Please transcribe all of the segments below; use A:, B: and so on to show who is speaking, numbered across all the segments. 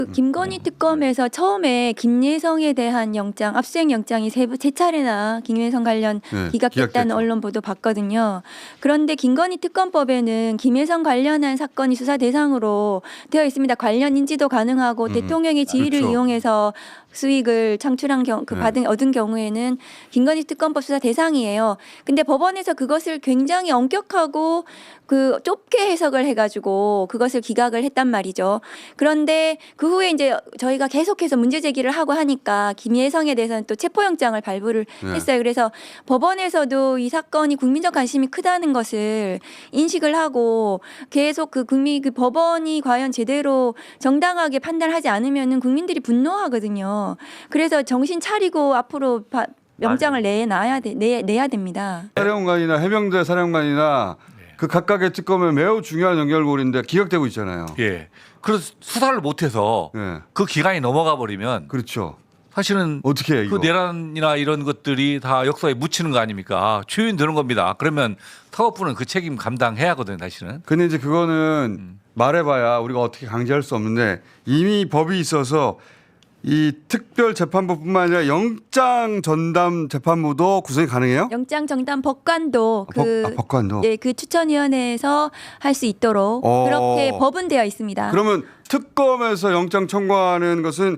A: 김건희 특검에서 처음에 김예성에 대한 영장, 압수수색 영장이 세 차례나 김예성 관련 기각됐다는
B: 기각됐죠.
A: 언론 보도 봤거든요. 그런데 김건희 특검법에는 김예성 관련한 사건이 수사 대상으로 되어 있습니다. 관련 인지도 가능하고 대통령의 지위를
B: 그렇죠.
A: 이용해서 수익을 창출한 얻은 경우에는 김건희 특검법 수사 대상이에요. 근데 법원에서 그것을 굉장히 엄격하고 좁게 해석을 해가지고 그것을 기각을 했단 말이죠. 그런데 그 후에 이제 저희가 계속해서 문제 제기를 하고 하니까 김예성에 대해서는 또 체포영장을 발부를 했어요. 그래서 법원에서도 이 사건이 국민적 관심이 크다는 것을 인식을 하고 계속 그 법원이 과연 제대로 정당하게 판단하지 않으면은 국민들이 분노하거든요. 그래서 정신 차리고 앞으로 영장을 내야 됩니다.
B: 사령관이나 해병대 사령관이나 그 각각의 특검에 매우 중요한 연결고리인데 기각되고 있잖아요.
C: 예. 그래서 수사를 못해서
B: 예.
C: 그 기간이 넘어가 버리면
B: 그렇죠.
C: 사실은
B: 어떻게 해,
C: 그
B: 이거?
C: 내란이나 이런 것들이 다 역사에 묻히는 거 아닙니까? 초유인 겁니다. 그러면 사법부는 그 책임 감당해야 하거든요, 사실은.
B: 근데 이제 그거는 말해봐야 우리가 어떻게 강제할 수 없는데 이미 법이 있어서 이 특별재판부뿐만 아니라 영장 전담 재판부도 구성이 가능해요?
A: 영장 정담 법관도
B: 법관도.
A: 예, 그 추천위원회에서 할 수 있도록 그렇게 법은 되어 있습니다.
B: 그러면 특검에서 영장 청구하는 것은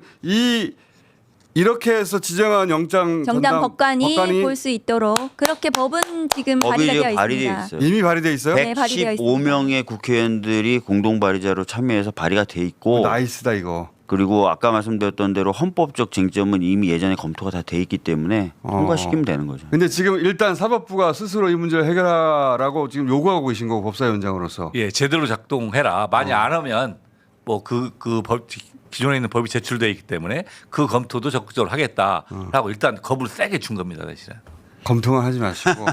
B: 이렇게 해서 지정한 영장
A: 정당 법관이
B: 법관이
A: 볼 수 있도록 그렇게 법은 지금
D: 법이
A: 발의가 되어
D: 이제 발의되어
A: 있습니다.
D: 있어요.
B: 이미 발의돼 있어요?
A: 네, 발의되어 있습니다.
D: 115명의 국회의원들이 공동 발의자로 참여해서 발의가 돼 있고
B: 나이스다 이거.
D: 그리고 아까 말씀드렸던 대로 헌법적 쟁점은 이미 예전에 검토가 다 돼 있기 때문에 통과시키면 되는 거죠.
B: 근데 지금 일단 사법부가 스스로 이 문제를 해결하라고 지금 요구하고 계신 거고 법사위원장으로서.
C: 예, 제대로 작동해라. 만약 안 하면 뭐 기존에 있는 법이 제출돼 있기 때문에 그 검토도 적극적으로 하겠다라고 일단 겁을 세게 준 겁니다, 사실은.
B: 검토만 하지 마시고.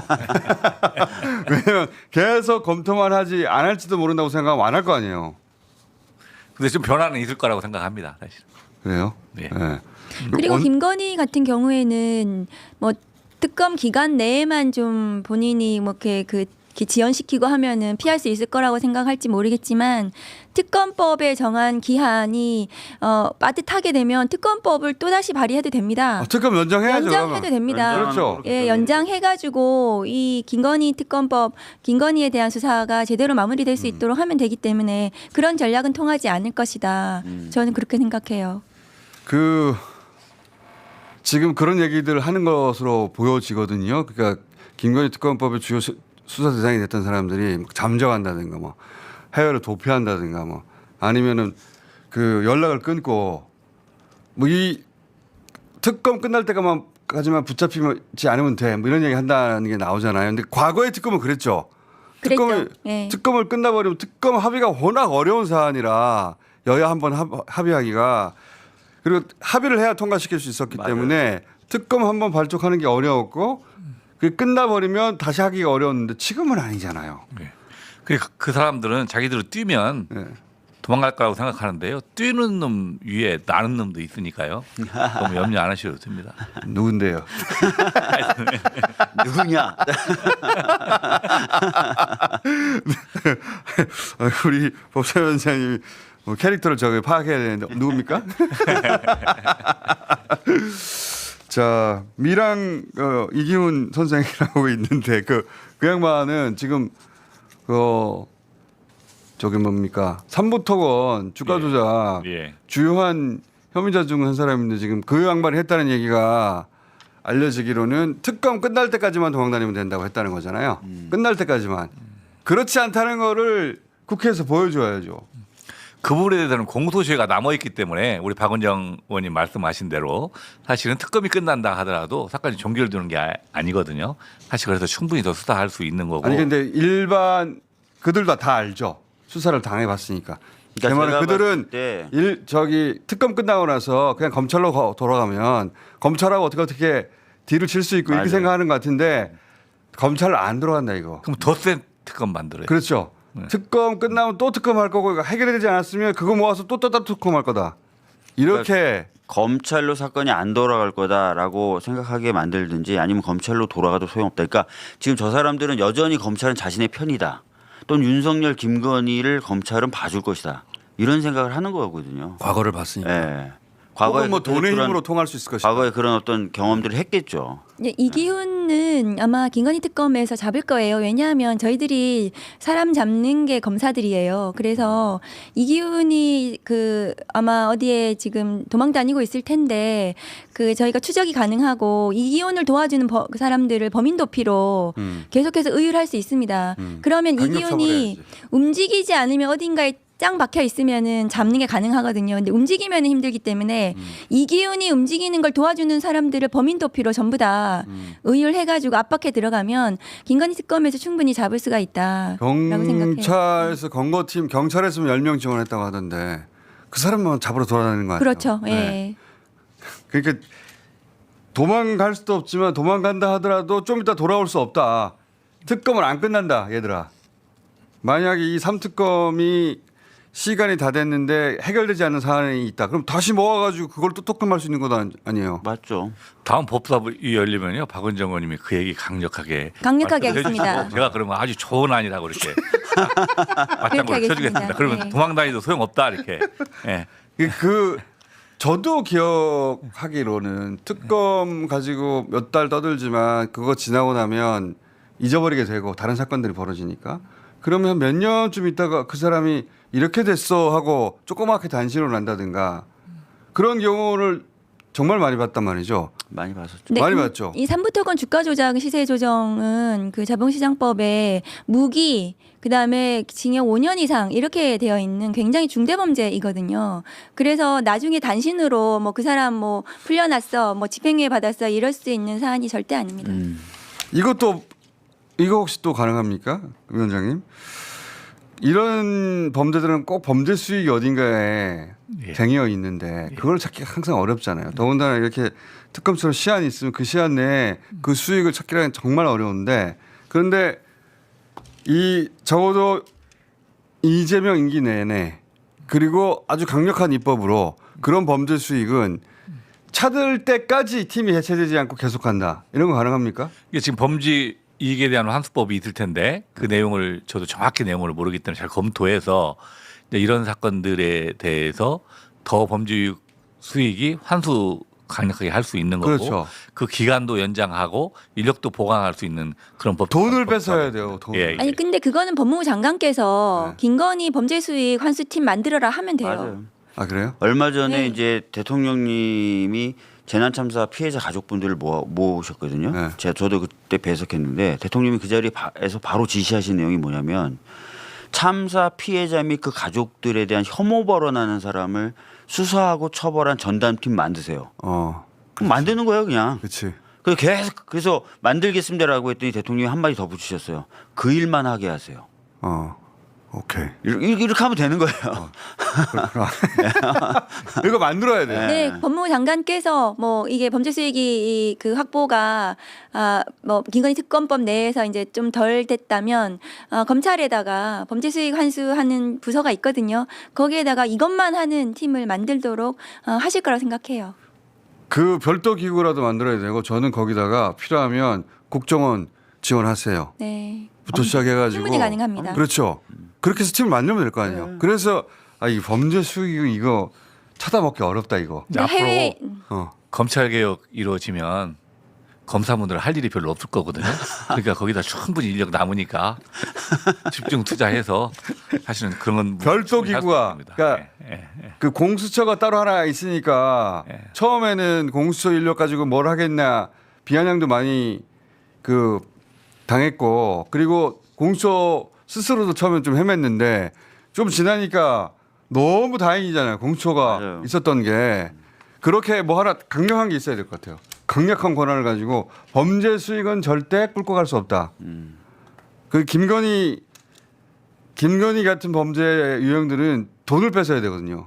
B: 왜냐면 계속 검토만 하지 안 할지도 모른다고 생각하면 안 할 거 아니에요.
C: 근데 좀 변화는 있을 거라고 생각합니다, 사실.
B: 그래요?
C: 네.
B: 네.
A: 그리고 김건희 같은 경우에는 뭐 특검 기간 내에만 좀 본인이 뭐 이렇게 지연시키고 하면은 피할 수 있을 거라고 생각할지 모르겠지만 특검법에 정한 기한이 빠듯하게 되면 특검법을 또 다시 발의해도 됩니다.
B: 특검 연장해야죠.
A: 연장해도 됩니다.
B: 그렇죠.
A: 예, 연장해가지고 이 김건희 특검법, 김건희에 대한 수사가 제대로 마무리될 수 있도록 하면 되기 때문에 그런 전략은 통하지 않을 것이다. 저는 그렇게 생각해요.
B: 지금 그런 얘기들 하는 것으로 보여지거든요. 그러니까 김건희 특검법의 주요 수사 대상이 됐던 사람들이 잠적한다든가 뭐 해외로 도피한다든가 뭐 아니면은 연락을 끊고 뭐 이 특검 끝날 때까지만 붙잡히지 않으면 돼. 뭐 이런 얘기 한다는 게 나오잖아요. 근데 과거의 특검은 그랬죠.
A: 그랬죠. 예.
B: 특검을 끝나버리면 특검 합의가 워낙 어려운 사안이라 여야 한번 합의하기가 그리고 합의를 해야 통과시킬 수 있었기 때문에 특검 한번 발족하는 게 어려웠고 그게 끝나버리면 다시 하기가 어려웠는데 지금은 아니잖아요.
C: 네. 그 사람들은 자기들을 뛰면 도망갈 거라고 생각하는데요. 뛰는 놈 위에 나는 놈도 있으니까요. 너무 염려 안 하셔도 됩니다.
B: 누군데요?
D: 누구냐?
B: 우리 법사위원장님이 뭐 캐릭터를 저기 파악해야 되는데 누굽니까? 자 미랑 이기훈 선생이라고 있는데 그 양반은 지금 저기 뭡니까 삼부토건 주가 조작 주요한 혐의자 중 한 사람인데 지금 그 양반이 했다는 얘기가 알려지기로는 특검 끝날 때까지만 도망다니면 된다고 했다는 거잖아요. 끝날 때까지만. 그렇지 않다는 거를 국회에서 보여줘야죠.
C: 그 부분에 대해서는 공소시효가 남아있기 때문에 우리 박원정 의원님 말씀하신 대로 사실은 특검이 끝난다 하더라도 사건이 종결되는 게 아니거든요. 사실 그래서 충분히 더 수사할 수 있는 거고.
B: 아니 근데 일반 그들도 다 알죠. 수사를 당해봤으니까. 제 말은 그들은 특검 끝나고 나서 그냥 검찰로 돌아가면 검찰하고 어떻게 뒤를 칠 수 있고 이렇게 생각하는 것 같은데 검찰 안 들어간다 이거.
C: 그럼 더 센 특검 만들어요.
B: 그렇죠. 특검 끝나면 또 특검 할 거고 해결되지 않았으면 그거 모아서 또 특검 할 거다. 이렇게
D: 그러니까 검찰로 사건이 안 돌아갈 거다라고 생각하게 만들든지 아니면 검찰로 돌아가도 소용없다. 그러니까 지금 저 사람들은 여전히 검찰은 자신의 편이다. 또는 윤석열, 김건희를 검찰은 봐줄 것이다. 이런 생각을 하는 거거든요.
B: 과거를 봤으니까.
D: 예.
B: 과거에 뭐
D: 그래서
B: 돈의
D: 그런-
B: 힘으로 통할 수 있을 것이다.
D: 과거에 그런 어떤 경험들을 했겠죠.
A: 예, 이기훈은 아마 김건희 특검에서 잡을 거예요. 왜냐하면 저희들이 사람 잡는 게 검사들이에요. 그래서 이기훈이 그 아마 어디에 지금 도망 다니고 있을 텐데 그 저희가 추적이 가능하고 이기훈을 도와주는 사람들을 범인 도피로 계속해서 의율할 수 있습니다. 그러면
B: 강력
A: 이기훈이
B: 처벌해야지.
A: 움직이지 않으면 어딘가에 짱 박혀 있으면은 잡는 게 가능하거든요. 근데 움직이면 힘들기 때문에 이기훈이 움직이는 걸 도와주는 사람들을 범인 도피로 전부 다 의율해가지고 압박해 들어가면 김건희 특검에서 충분히 잡을 수가 있다라고 생각해요.
B: 경찰에서 검거팀 경찰에서 10명 지원했다고 하던데 그 사람만 잡으러 돌아다니는 거 아니에요?
A: 그렇죠. 예.
B: 네. 그러니까 도망갈 수도 없지만 도망간다 하더라도 좀 이따 돌아올 수 없다. 특검은 안 끝난다, 얘들아. 만약에 이 3특검이 시간이 다 됐는데 해결되지 않는 사안이 있다. 그럼 다시 모아가지고 그걸 또 특검할 수 있는 건 아니에요.
D: 맞죠.
C: 다음 법사위 열리면요 박원정 의원님이 그 얘기 강력하게
A: 강력하게
C: 말씀해 주시고
A: 하겠습니다.
C: 제가 그러면 아주 좋은 안이라고 이렇게 맞장구를
A: 하겠습니다.
C: 쳐주겠습니다. 그러면
A: 네.
C: 도망 다니도 소용없다 이렇게. 예.
B: 저도 기억하기로는 특검 가지고 몇 달 떠들지만 그거 지나고 나면 잊어버리게 되고 다른 사건들이 벌어지니까 그러면 몇 년쯤 있다가 그 사람이 이렇게 됐어 하고 조그맣게 단신으로 난다든가 그런 경우를 정말 많이 봤단 말이죠.
D: 많이 봤었죠.
B: 많이 봤죠.
A: 이 삼부토건 주가 조작, 시세 조정은 그 자본시장법에 무기 그다음에 징역 5년 이상 이렇게 되어 있는 굉장히 중대 범죄이거든요. 그래서 나중에 단신으로 뭐 그 사람 뭐 풀려났어, 뭐 집행유예 받았어 이럴 수 있는 사안이 절대 아닙니다.
B: 이거 혹시 또 가능합니까, 위원장님? 이런 범죄들은 꼭 범죄 수익이 어딘가에
C: 예.
B: 쟁여 있는데 그걸 찾기가 항상 어렵잖아요. 더군다나 이렇게 특검처럼 시한이 있으면 그 시한 내에 그 수익을 찾기는 정말 어려운데 그런데 적어도 이재명 임기 내내 그리고 아주 강력한 입법으로 그런 범죄 수익은 찾을 때까지 팀이 해체되지 않고 계속한다. 이런 거 가능합니까?
C: 이게 지금 범죄 이익에 대한 환수법이 있을 텐데 그 내용을 저도 정확히 내용을 모르기 때문에 잘 검토해서 이제 이런 사건들에 대해서 더 범죄 수익이 환수 강력하게 할 수 있는 거고
B: 그렇죠.
C: 그 기간도 연장하고 인력도 보강할 수 있는 그런 법
B: 돈을 뺏어야 돼요. 돈을.
C: 예, 예.
A: 아니 근데 그거는 법무부 장관께서
B: 네.
A: 김건희 범죄수익 환수팀 만들어라 하면 돼요.
D: 맞아요.
B: 아 그래요?
D: 얼마 전에
A: 네.
D: 이제 대통령님이 재난참사 피해자 가족분들을 모으셨거든요.
B: 네.
D: 저도 그때 배석했는데 대통령이 그 자리에서 바로 지시하신 내용이 뭐냐면 참사 피해자 및 그 가족들에 대한 혐오 발언하는 사람을 수사하고 처벌한 전담팀 만드세요. 그럼 만드는 거예요, 그냥.
B: 그렇지.
D: 그래서 만들겠습니다라고 했더니 대통령이 한마디 더 붙이셨어요. 그 일만 하게 하세요.
B: 오케이.
D: 이렇게 하면 되는 거예요.
B: 이거 만들어야 돼.
A: 네, 법무부 장관께서 뭐 이게 범죄 수익이 그 확보가 뭐 김건희 특검법 내에서 이제 좀 덜 됐다면 검찰에다가 범죄 수익 환수하는 부서가 있거든요. 거기에다가 이것만 하는 팀을 만들도록 하실 거라고 생각해요.
B: 그 별도 기구라도 만들어야 되고 저는 거기다가 필요하면 국정원 지원하세요.
A: 네.
B: 부터 시작해가지고
A: 충분히 가능합니다.
B: 그렇죠. 그렇게 해서 팀을 만들면 될 거 아니에요. 그래서 이 범죄 수익 이거 찾아먹기 어렵다 이거.
C: 이제 앞으로
A: 해외
C: 검찰 개혁 이루어지면 검사분들 할 일이 별로 없을 거거든요. 그러니까 거기다 충분히 인력 남으니까 집중 투자해서 사실은 그런 건
B: 별도
C: 충분히 할수
B: 기구가
C: 있습니다.
B: 그러니까 그 공수처가 따로 하나 있으니까
C: 예.
B: 처음에는 공수처 인력 가지고 뭘 하겠냐 비아냥도 많이 그 당했고 그리고 공수처 스스로도 처음엔 좀 헤맸는데 좀 지나니까 너무 다행이잖아요. 공수처가
D: 맞아요.
B: 있었던 게 그렇게 뭐 하나 강력한 게 있어야 될 것 같아요. 강력한 권한을 가지고 범죄 수익은 절대 꿀고 갈 수 없다. 그 김건희 같은 범죄 유형들은 돈을 뺏어야 되거든요.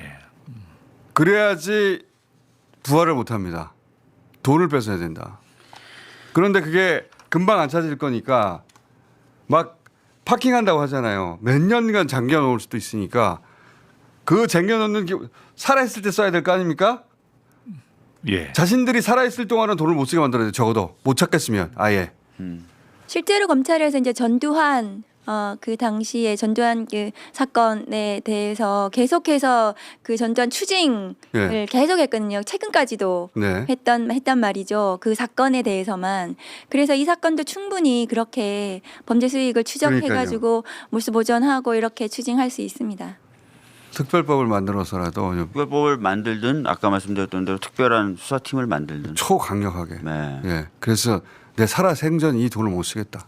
B: 그래야지 부활을 못 합니다. 돈을 뺏어야 된다. 그런데 그게 금방 안 찾을 거니까 막 파킹한다고 하잖아요. 몇 년간 잠겨 놓을 수도 있으니까 그 잠겨 놓는 게 살아있을 때 써야 될 거 아닙니까?
C: 예.
B: 자신들이 살아있을 동안은 돈을 못 쓰게 만들어야 돼. 적어도 못 찾겠으면 아예.
A: 실제로 검찰에서 이제 전두환 그 당시에 전두환 그 사건에 대해서 계속해서 그 전두환 추징을
B: 예.
A: 계속했거든요. 최근까지도
B: 네.
A: 했단 말이죠. 그 사건에 대해서만. 그래서 이 사건도 충분히 그렇게 범죄 수익을 추적해가지고 몰수 보전하고 이렇게 추징할 수 있습니다.
B: 특별법을 만들어서라도
D: 특별법을 만들든 아까 말씀드렸던 대로 특별한 수사팀을 만들든.
B: 초강력하게.
D: 네.
B: 예. 그래서 내 살아생전 이 돈을 못 쓰겠다.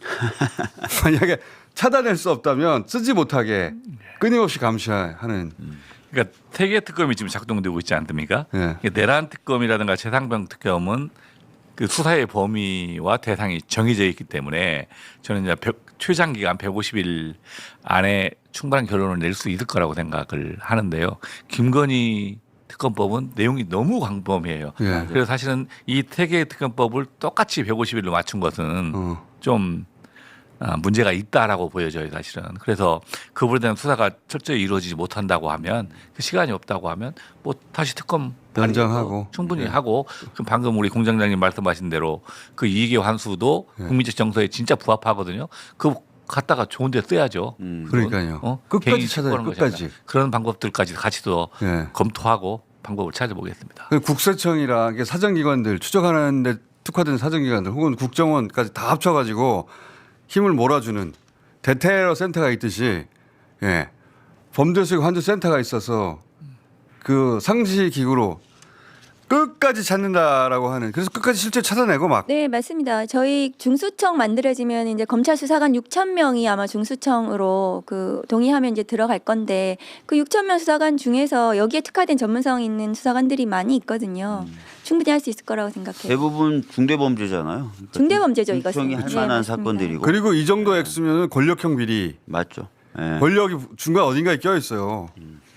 B: 만약에 차단할 수 없다면 쓰지 못하게 끊임없이 감시하는.
C: 그러니까 세계 특검이 지금 작동되고 있지 않습니까?
B: 예.
C: 내란 특검이라든가 최상병 특검은 그 수사의 범위와 대상이 정해져 있기 때문에 저는 이제 최장 기간 150일 안에 충분한 결론을 낼 수 있을 거라고 생각을 하는데요. 김건희 특검법은 내용이 너무 광범위해요.
B: 예.
C: 그래서 사실은 이 세계 특검법을 똑같이 150일로 맞춘 것은 좀 문제가 있다라고 보여져요, 사실은. 그래서 그 부분에 대한 수사가 철저히 이루어지지 못한다고 하면 그 시간이 없다고 하면 뭐 다시 특검
B: 연장하고
C: 충분히
B: 예.
C: 하고 그럼 방금 우리 공장장님 말씀하신 대로 그 이익의 환수도
B: 예.
C: 국민적 정서에 진짜 부합하거든요. 그 갖다가 좋은 데 써야죠.
B: 그러니까요. 끝까지
C: 개인이
B: 찾아요.
C: 신고하는
B: 끝까지.
C: 것이 아니라 그런 방법들까지 같이 더
B: 예.
C: 검토하고 방법을 찾아보겠습니다.
B: 그 국세청이랑 이게 사정기관들 추적하는데 특화된 사정기관들 혹은 국정원까지 다 합쳐가지고 힘을 몰아주는 대테러 센터가 있듯이 예. 범죄수익 환수 센터가 있어서 그 상시 기구로 끝까지 찾는다라고 하는 그래서 끝까지 실제 찾아내고 막
A: 네, 맞습니다. 저희 중수청 만들어지면 이제 검찰 수사관 6천 명이 아마 중수청으로 그 동의하면 이제 들어갈 건데 그 6천 명 수사관 중에서 여기에 특화된 전문성 있는 수사관들이 많이 있거든요. 충분히 할 수 있을 거라고 생각해요.
D: 대부분 중대범죄잖아요. 그러니까
A: 중대범죄죠, 이것은.
D: 중형이 할
A: 네,
D: 만한
A: 맞습니다.
D: 사건들이고.
B: 그리고 이 정도 액수면 권력형 비리
D: 맞죠. 예.
B: 권력이 중간 어딘가에 껴 있어요.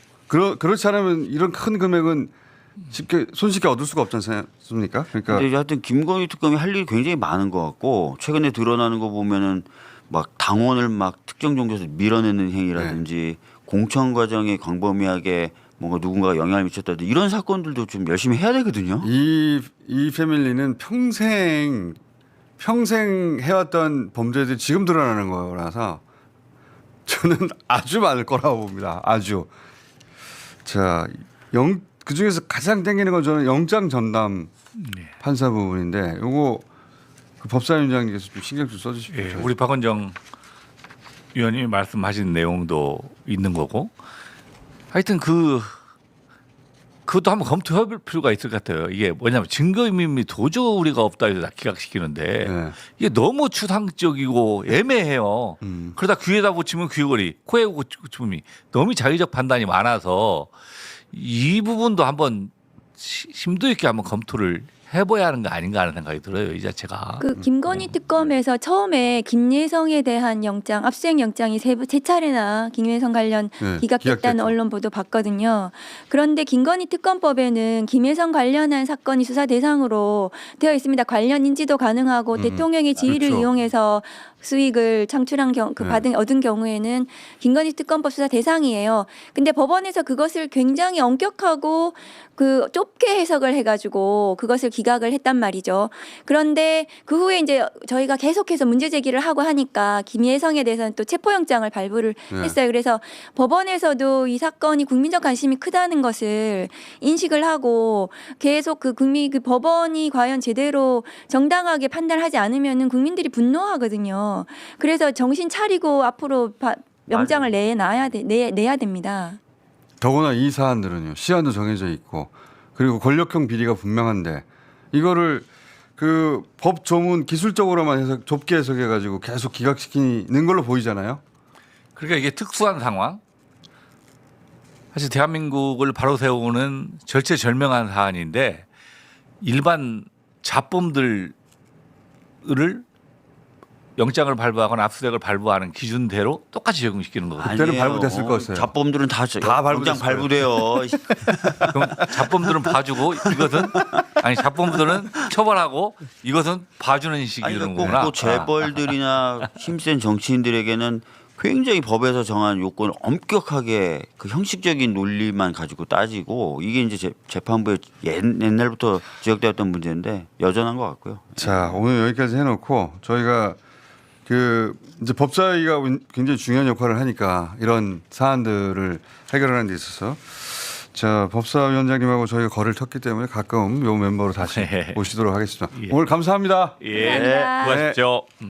B: 그렇지 않으면 이런 큰 금액은 쉽게 손쉽게 얻을 수가 없지 않습니까? 그러니까
D: 근데 하여튼 김건희 특검이 할 일이 굉장히 많은 것 같고 최근에 드러나는 거 보면은 막 당원을 막 특정 종교에서 밀어내는 행위라든지 공천 과정에 광범위하게 뭔가 누군가가 영향을 미쳤다든지 이런 사건들도 좀 열심히 해야 되거든요.
B: 이 패밀리는 평생 해왔던 범죄들이 지금 드러나는 거라서 저는 아주 많을 거라고 봅니다. 아주. 자, 그 중에서 가장 땡기는 건 저는 영장 전담 판사 부분인데 요거 그 법사위원장님께서 좀 신경 좀 써주십시오.
C: 예, 우리 박원정 위원님이 말씀하신 내용도 있는 거고 하여튼 그것도 한번 검토해 볼 필요가 있을 것 같아요. 이게 뭐냐면 증거인멸이 도저히 우리가 없다 해서 기각시키는데
B: 네.
C: 이게 너무 추상적이고 애매해요. 그러다 귀에다 붙이면 귀걸이, 코에 붙이면 너무 자의적 판단이 많아서 이 부분도 한번 심도 있게 한번 검토를 해봐야 하는 거 아닌가 하는 생각이 들어요. 이 자체가.
A: 그 김건희 특검에서 처음에 김예성에 대한 영장, 압수수색 영장이 세 차례나 김예성 관련
B: 네,
A: 기각됐다는
B: 기각됐죠.
A: 언론 보도 봤거든요. 그런데 김건희 특검법에는 김예성 관련한 사건이 수사 대상으로 되어 있습니다. 관련 인지도 가능하고 대통령의 지위를
B: 그렇죠.
A: 이용해서 수익을 창출한 얻은 경우에는 김건희 특검법 수사 대상이에요. 근데 법원에서 그것을 굉장히 엄격하고 그 좁게 해석을 해가지고 그것을 기각을 했단 말이죠. 그런데 그 후에 이제 저희가 계속해서 문제 제기를 하고 하니까 김예성에 대해서는 또 체포영장을 발부를 했어요. 그래서 법원에서도 이 사건이 국민적 관심이 크다는 것을 인식을 하고 계속 그 법원이 과연 제대로 정당하게 판단하지 않으면은 국민들이 분노하거든요. 그래서 정신 차리고 앞으로 영장을 내야 됩니다.
B: 더구나 이 사안들은요 시한도 정해져 있고 그리고 권력형 비리가 분명한데 이거를 그 법 조문 기술적으로만 해서 좁게 해석해가지고 계속 기각시키는 걸로 보이잖아요.
C: 그러니까 이게 특수한 상황. 사실 대한민국을 바로 세우는 절체절명한 사안인데 일반 자범들을 영장을 발부하거나 압수수색을 발부하는 기준대로 똑같이 적용시키는 거거든요.
B: 그때는
D: 아니에요.
B: 발부됐을 거였어요.
D: 자범들은 다
B: 발부됐을
D: 영장 발부돼요.
C: 그럼 자범들은 봐주고 이것은 아니 자범들은 처벌하고 이것은 봐주는 식이
D: 아니
C: 되는
D: 그러니까
C: 거구나.
D: 꼭 재벌들이나 힘센 정치인들에게는 굉장히 법에서 정한 요건을 엄격하게 그 형식적인 논리만 가지고 따지고 이게 이제 재판부에 옛날부터 지적되었던 문제인데 여전한 것 같고요.
B: 자 오늘 여기까지 해놓고 저희가 그 이제 법사위가 굉장히 중요한 역할을 하니까 이런 사안들을 해결하는 데 있어서 자 법사위원장님하고 저희가 거리를 텄기 때문에 가끔 요 멤버로 다시 모시도록 하겠습니다. 오늘 감사합니다.
C: 예.
A: 감사합니다.
C: 수고하십시오.